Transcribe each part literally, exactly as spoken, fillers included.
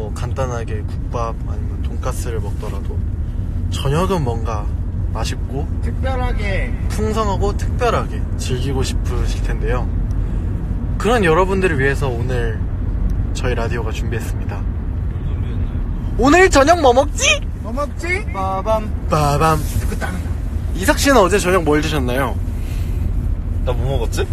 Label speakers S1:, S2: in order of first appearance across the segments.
S1: 뭐 간단하게 국밥 아니면 돈가스를 먹더라도 저녁은 뭔가 맛있고
S2: 특별하게
S1: 풍성하고 특별하게 즐기고 싶으실 텐데요. 그런 여러분들을 위해서 오늘 저희 라디오가 준비했습니다. 오늘 저녁 뭐 먹지?
S2: 뭐 먹지? 빠밤
S1: 빠밤. 이삭씨는 어제 저녁 뭘 드셨나요?
S3: 나 뭐 먹었지?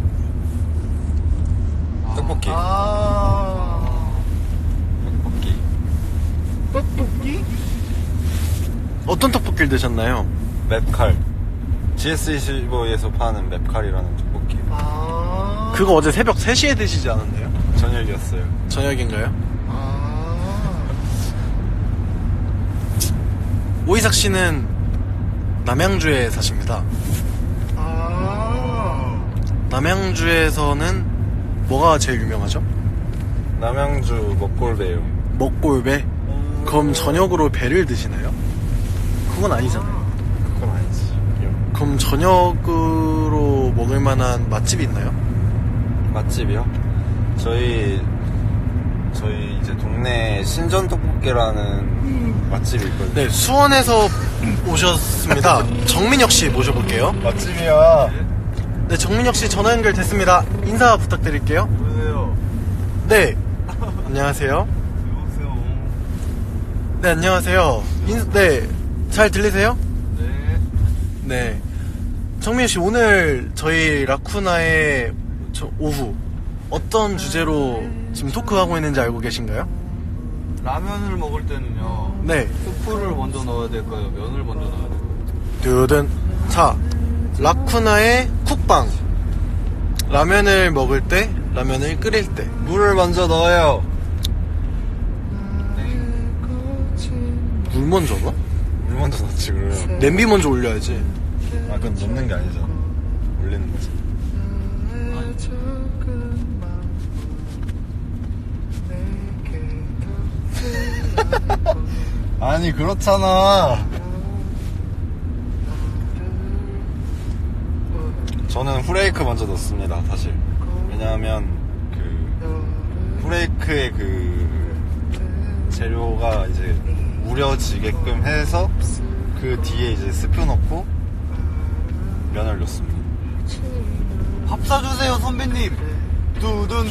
S3: 떡볶이.
S2: 아
S3: 떡볶이.
S2: 떡볶이?
S1: 어떤 떡볶이를 드셨나요?
S3: 맵칼. 지에스 이십오에서 파는 맵칼이라는 떡볶이.
S2: 아
S1: 그거 어제 새벽 세 시에 드시지 않았나요?
S3: 저녁이었어요.
S1: 저녁인가요?
S2: 아
S1: 오이삭씨는 남양주에 사십니다.
S2: 아
S1: 남양주에서는 뭐가 제일 유명하죠?
S3: 남양주 먹골배요.
S1: 먹골배? 그럼 저녁으로 배를 드시나요? 그건 아니잖아요.
S3: 그건 아니지.
S1: 그럼 저녁으로 먹을 만한 맛집이 있나요?
S3: 맛집이요? 저희 저희 이제 동네 신전 떡볶이라는 맛집이 있거든요.
S1: 네, 수원에서 오셨습니다. 정민혁씨 모셔볼게요.
S3: 맛집이야.
S1: 네, 정민혁씨 전화 연결됐습니다. 인사 부탁드릴게요.
S3: 보세요.
S1: 네, 안녕하세요.
S3: 여보세요.
S1: 네, 안녕하세요. 인, 네, 잘 들리세요?
S3: 네.
S1: 네. 정민혁씨, 오늘 저희 라쿠나의 저 오후 어떤 주제로 지금 토크하고 있는지 알고 계신가요?
S4: 라면을 먹을 때는요,
S1: 네.
S4: 스프를 먼저 넣어야 될까요? 면을 먼저 넣어야 될까요?
S1: 두둔. 자, 라쿠나의 쿡방. 라면을 먹을 때, 라면을 끓일 때.
S3: 물을 먼저 넣어요.
S1: 물 먼저 넣어?
S3: 물 먼저 넣지 그래요.
S1: 냄비 먼저 올려야지.
S3: 아 그건 넣는 게 아니잖아. 올리는 거지. 아니 그렇잖아. 저는 후레이크 먼저 넣습니다 사실. 왜냐하면 그 후레이크의 그 재료가 이제 우려지게끔 해서 그 뒤에 이제 스프 넣고 면을 넣습니다.
S4: 밥 사주세요, 선배님! 두둔!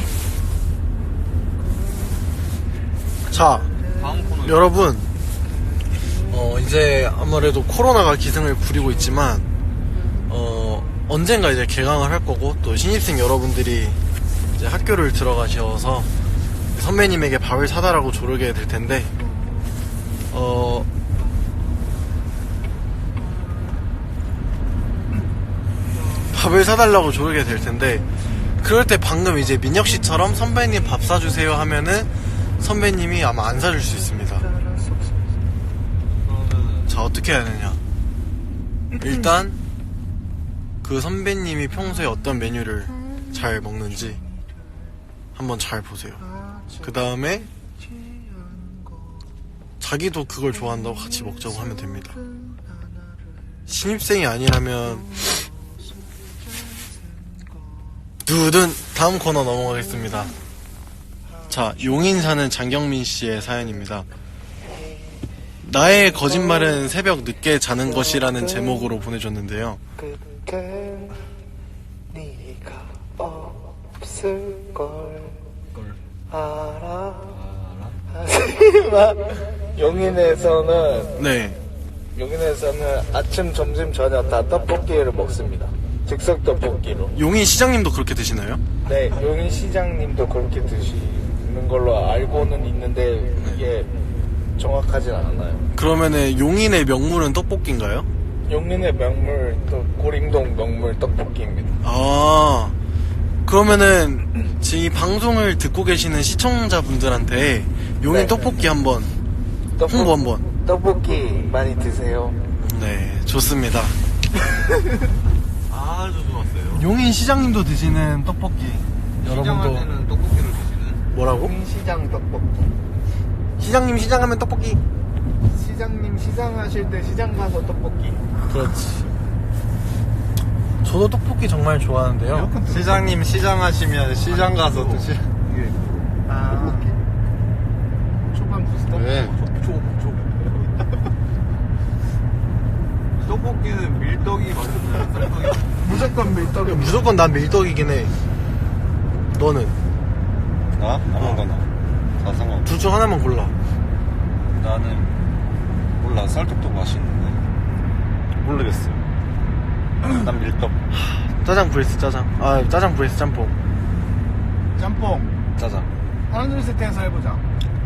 S1: 자,
S4: 다음 코너.
S1: 여러분, 어, 이제 아무래도 코로나가 기승을 부리고 있지만, 어, 언젠가 이제 개강을 할 거고, 또 신입생 여러분들이 이제 학교를 들어가셔서 선배님에게 밥을 사달라고 조르게 될 텐데, 어, 밥을 사달라고 조르게 될 텐데, 그럴 때 방금 이제 민혁 씨처럼 선배님 밥 사주세요 하면은 선배님이 아마 안 사줄 수 있습니다. 자, 어떻게 해야 되냐? 일단 그 선배님이 평소에 어떤 메뉴를 잘 먹는지 한번 잘 보세요. 그 다음에 자기도 그걸 좋아한다고 같이 먹자고 하면 됩니다. 신입생이 아니라면 두둔. 다음 코너 넘어가겠습니다. 자, 용인 사는 장경민 씨의 사연입니다. 나의 거짓말은 새벽 늦게 자는 것이라는 제목으로 보내줬는데요.
S2: 그땐 네가 없을걸 알아 하지만 용인에서는
S1: 네.
S2: 용인에서는 아침, 점심, 저녁 다 떡볶이를 먹습니다. 즉석 떡볶이로.
S1: 용인 시장님도 그렇게 드시나요?
S2: 네, 용인 시장님도 그렇게 드시는 걸로 알고는 있는데 이게 정확하진 않아요.
S1: 그러면은 용인의 명물은 떡볶이인가요?
S2: 용인의 명물 또 고림동 명물 떡볶이입니다.
S1: 아, 그러면은 지금 이 방송을 듣고 계시는 시청자분들한테 용인
S2: 네.
S1: 떡볶이 한번
S2: 떡볶-
S1: 홍보 한번.
S2: 떡볶이 많이 드세요.
S1: 네, 좋습니다.
S4: 아주 좋았어요.
S1: 용인 시장님도 드시는 떡볶이.
S4: 시장할
S1: 여러분도
S4: 때는 떡볶이를 드시는?
S1: 뭐라고?
S2: 용인 시장 떡볶이.
S1: 시장님 시장하면 떡볶이.
S2: 시장님 시장하실 때 시장 가서 떡볶이.
S1: 그렇지. 저도 떡볶이 정말 좋아하는데요.
S3: 시장님 시장하시면 시장 가서 드시.
S2: 아, 밀떡이
S1: 무조건 난 밀떡이긴 해. 너는?
S3: 나? 아무거나. 다 상관없어.
S1: 둘 중 하나만 골라.
S3: 나는 몰라. 쌀떡도 맛있는데 모르겠어. 난 밀떡.
S1: 짜장 vs 짜장. 아, 짜장 vs 짬뽕.
S2: 짬뽕.
S3: 짜장.
S2: 하나 둘 셋 해서 해보자.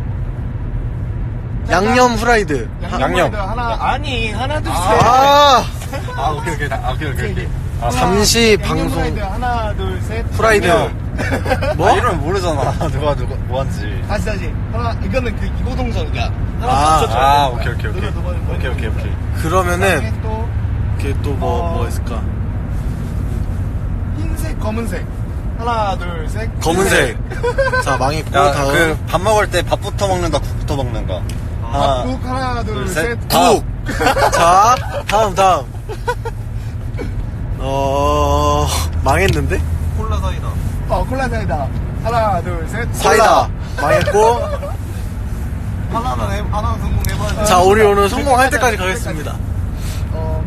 S1: 양념 후라이드.
S3: 양념.
S2: 하나 아니 하나 둘 셋.
S1: 아,
S3: 아 오케이 오케이. 아, 오케이 오케이 오케이. 아,
S1: 잠시
S2: 양념
S1: 방송
S2: 후라이드 하나 둘 셋.
S1: 후라이드.
S3: 뭐? 아, 이러면 모르잖아. 누가 누가 뭐 한지.
S2: 다시 다시 하나 이거는 그 이고동전이야. 하나
S1: 아,
S2: 더 쳐, 쳐.
S3: 아 오케이 오케이 오케이.
S2: 누가 두 번,
S3: 오케이 오케이 오케이.
S1: 그러면은
S2: 또
S1: 걔 또 뭐 뭐
S2: 어.
S1: 있을까?
S2: 흰색 검은색. 하나 둘 셋.
S1: 검은색. 자, 망했고
S3: 야,
S1: 다음.
S3: 그 밥 먹을 때 밥부터 먹는가 국부터 먹는가. 하나,
S2: 밥국 하나 둘
S3: 둘,
S2: 셋.
S3: 셋.
S1: 국. 자, 다음 다음. 어, 망했는데?
S4: 콜라 사이다.
S2: 어 콜라 사이다. 하나 둘 셋.
S1: 사이다. 망했고.
S4: 하나는 해, 하나는 성공해봐야지.
S1: 자, 우리 오늘 성공할 때까지 가겠습니다.
S2: 어.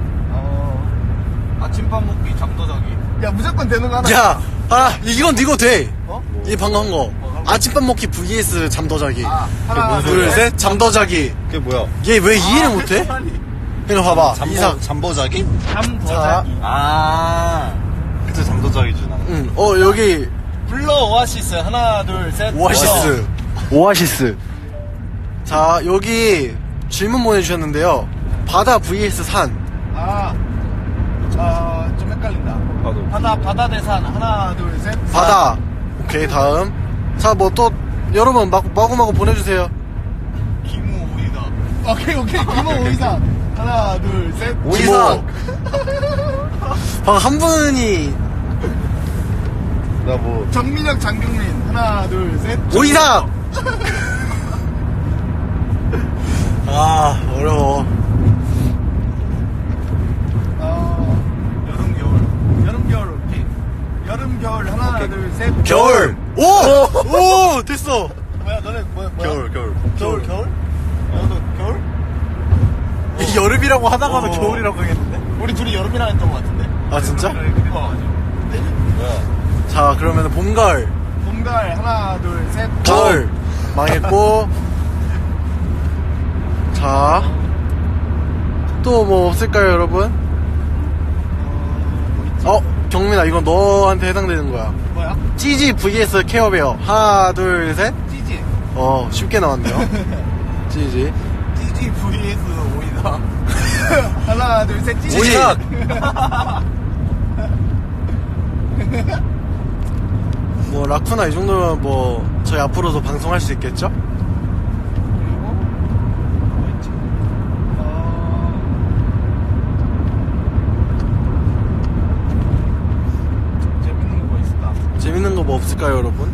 S2: 어.
S4: 아침밥 먹기, 잠도 자기.
S2: 야 무조건 되는 거 하나.
S1: 야, 아, 이건 이거 돼.
S2: 어?
S1: 이 방금 한 거. 아침밥 먹기 vs 잠 더 자기.
S2: 아, 하나
S3: 뭔
S1: 둘,
S3: 소리야?
S1: 셋, 잠 더 자기.
S3: 그게 뭐야?
S1: 얘 왜 이해를 못해? 그냥 봐봐.
S3: 잠보,
S1: 이상.
S3: 잠보자기?
S2: 잠더
S1: 자.
S2: 자기.
S3: 아, 그치, 잠도자기지, 나는.
S1: 응. 어, 여기
S2: 블러 오아시스 하나 둘 셋.
S1: 오아시스. 오아시스. 자, 여기 질문 보내주셨는데요. 바다 vs 산.
S2: 아. 어, 좀 헷갈린다.
S3: 나도.
S2: 바다 바다 대산 하나 둘 셋.
S1: 바다. 오케이, 다음. 자, 뭐 또 여러분 마구 마구마구 보내주세요.
S4: 기무 오이다.
S2: 오케이 오케이 김호 오이사 하나 둘 셋.
S1: 오이사. 방금 한 분이
S3: 나 뭐,
S2: 정민혁 장경민 하나 둘 셋.
S1: 오이사. 아, 어려워.
S2: 어,
S4: 여름, 겨울.
S2: 여름 겨울 오케이. 여름 겨울 하나 둘 셋.
S1: 겨울. 오! 오! 됐어.
S2: 뭐야 너네 뭐야 뭐야?
S3: 겨울, 겨울.
S2: 겨울 겨울? 너도 겨울?
S1: 이 여름이라고 하다가도
S2: 어.
S1: 겨울이라고 하겠는데?
S2: 우리 둘이 여름이라 했던 것 같은데.
S1: 아, 진짜?
S2: 어.
S3: 뭐야?
S1: 자, 그러면 봄, 가을.
S2: 봄 가을 하나 둘 셋.
S1: 가을. 망했고. 자. 또 뭐 없을까요, 여러분? 어, 경민아, 이건 너한테 해당되는 거야.
S2: 뭐야?
S1: 찌지 vs 케어베어. 하나, 둘, 셋.
S2: 찌지.
S1: 어, 쉽게 나왔네요. 찌지.
S2: 찌지 vs 오이다. 하나 둘 셋. 찌지.
S1: 오이삭. 뭐, 라쿠나 이 정도면 뭐, 저희 앞으로도 방송할 수 있겠죠?
S2: 그리고 뭐 있지? 어... 재밌는 거 뭐 있을까?
S1: 재밌는 거 뭐 없을까요, 여러분?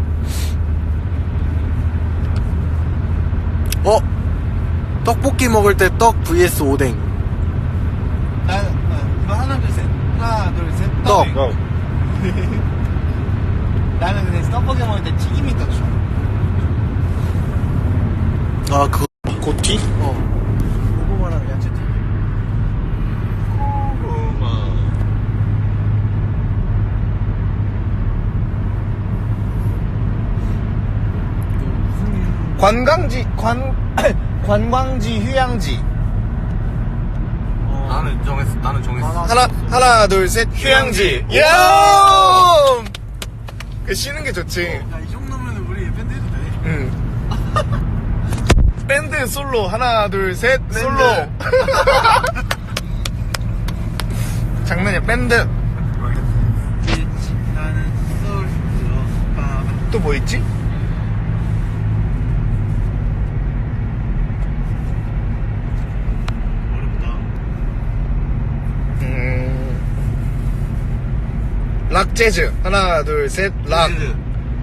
S1: 어? 떡볶이 먹을 때 떡 vs 오뎅.
S2: 나, 나 이거 하나 둘 셋. 하나 둘 셋.
S1: 떡.
S3: 야,
S2: 나는 근데 떡볶이 먹을 때 튀김이 더 좋아.
S1: 아, 그거.
S3: 고티?
S1: 어.
S2: 고구마랑 야채 튀김. 관광지 관 관광지 휴양지.
S4: 나는 정했어. 나는 정했어.
S2: 하나 하나 둘 셋 휴양지.
S4: 휴양지.
S2: 야! 그 쉬는 게 좋지.
S1: 야, 이 정도면 우리 밴드 해도 돼.
S2: 응. 밴드 솔로 하나 둘 셋 솔로. 장난이야 밴드.
S1: 나는 솔로.
S2: 또 뭐 있지?
S1: 어렵다.
S2: 음. 락 재즈 하나 둘 셋 락.
S4: 재즈.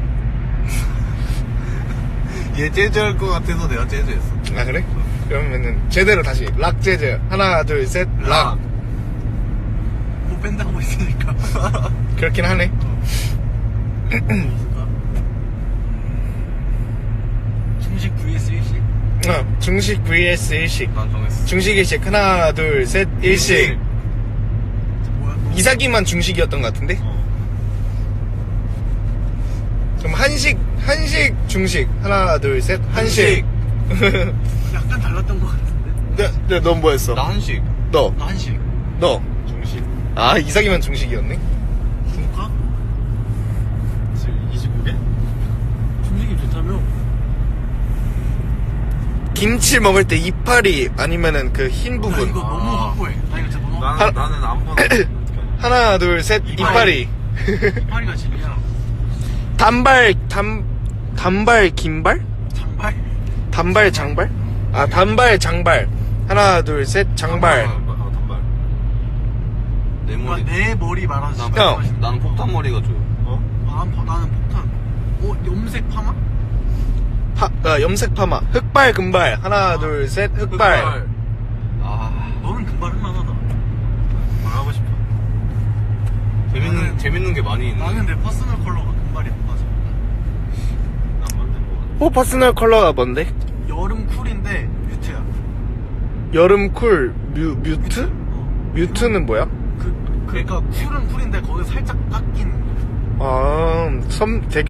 S4: 얘 재즈 할 것 같아서 내가 재즈 했어.
S2: 아 그래? 그러면은 제대로 다시 락 재즈 하나 둘 셋 락.
S1: 뭐 밴드 하고 있으니까.
S2: 그렇긴 하네.
S1: 중식 vs 일식?
S2: 어, 중식 vs 일식.
S4: 난 정했어.
S2: 중식 일식 하나 둘 셋 일식.
S1: 뭐야?
S2: 이삭이만 중식이었던 것 같은데? 그럼 한식, 한식, 중식. 하나, 둘, 셋. 한식.
S1: 약간 달랐던 것 같은데.
S2: 네, 네, 넌 뭐였어?
S4: 나 한식.
S2: 너,
S1: 나 한식.
S2: 너.
S4: 중식.
S2: 아, 이삭이만 중식이었네?
S1: 중국가?
S4: 지금 이십오 개?
S1: 중식이 좋다며?
S2: 김치 먹을 때 이파리 아니면은 그 흰
S1: 나
S2: 부분.
S1: 이거 너무
S4: 아.
S1: 확고해. 나 이거 진짜 너무
S4: 나는,
S1: 확고해.
S4: 나는 아무거나.
S2: 하나, 둘, 셋. 이파리.
S1: 이파리가 진리야.
S2: 단발, 단, 단발, 긴발?
S1: 장발?
S2: 단발, 장발? 아, 단발, 장발. 하나, 둘, 셋. 장발.
S4: 아, 단발. 내
S1: 나
S4: 머리.
S1: 내 머리 말하지.
S2: 형.
S4: 나는 폭탄 머리가 좋아. 어?
S1: 나는, 파- 나는 폭탄. 어, 염색 파마?
S2: 파, 아, 염색 파마. 흑발, 금발. 하나, 둘, 셋. 흑발.
S4: 아,
S1: 너는 금발 할만하다.
S4: 말하고 싶어. 재밌는,
S1: 나는-
S4: 재밌는 게 많이 있네.
S1: 나는 내 퍼스널 컬러가 금발이 안 맞아.
S4: 난 맞는 거 같아.
S2: 호 퍼스널 컬러가 뭔데?
S1: 여름 쿨인데 뮤트야.
S2: 여름 쿨, 뮤, 뮤트?
S1: 어.
S2: 뮤트는 뭐야?
S1: 그, 그러니까 쿨은 쿨인데 거기 살짝 깎인.
S2: 아, 섬, 되게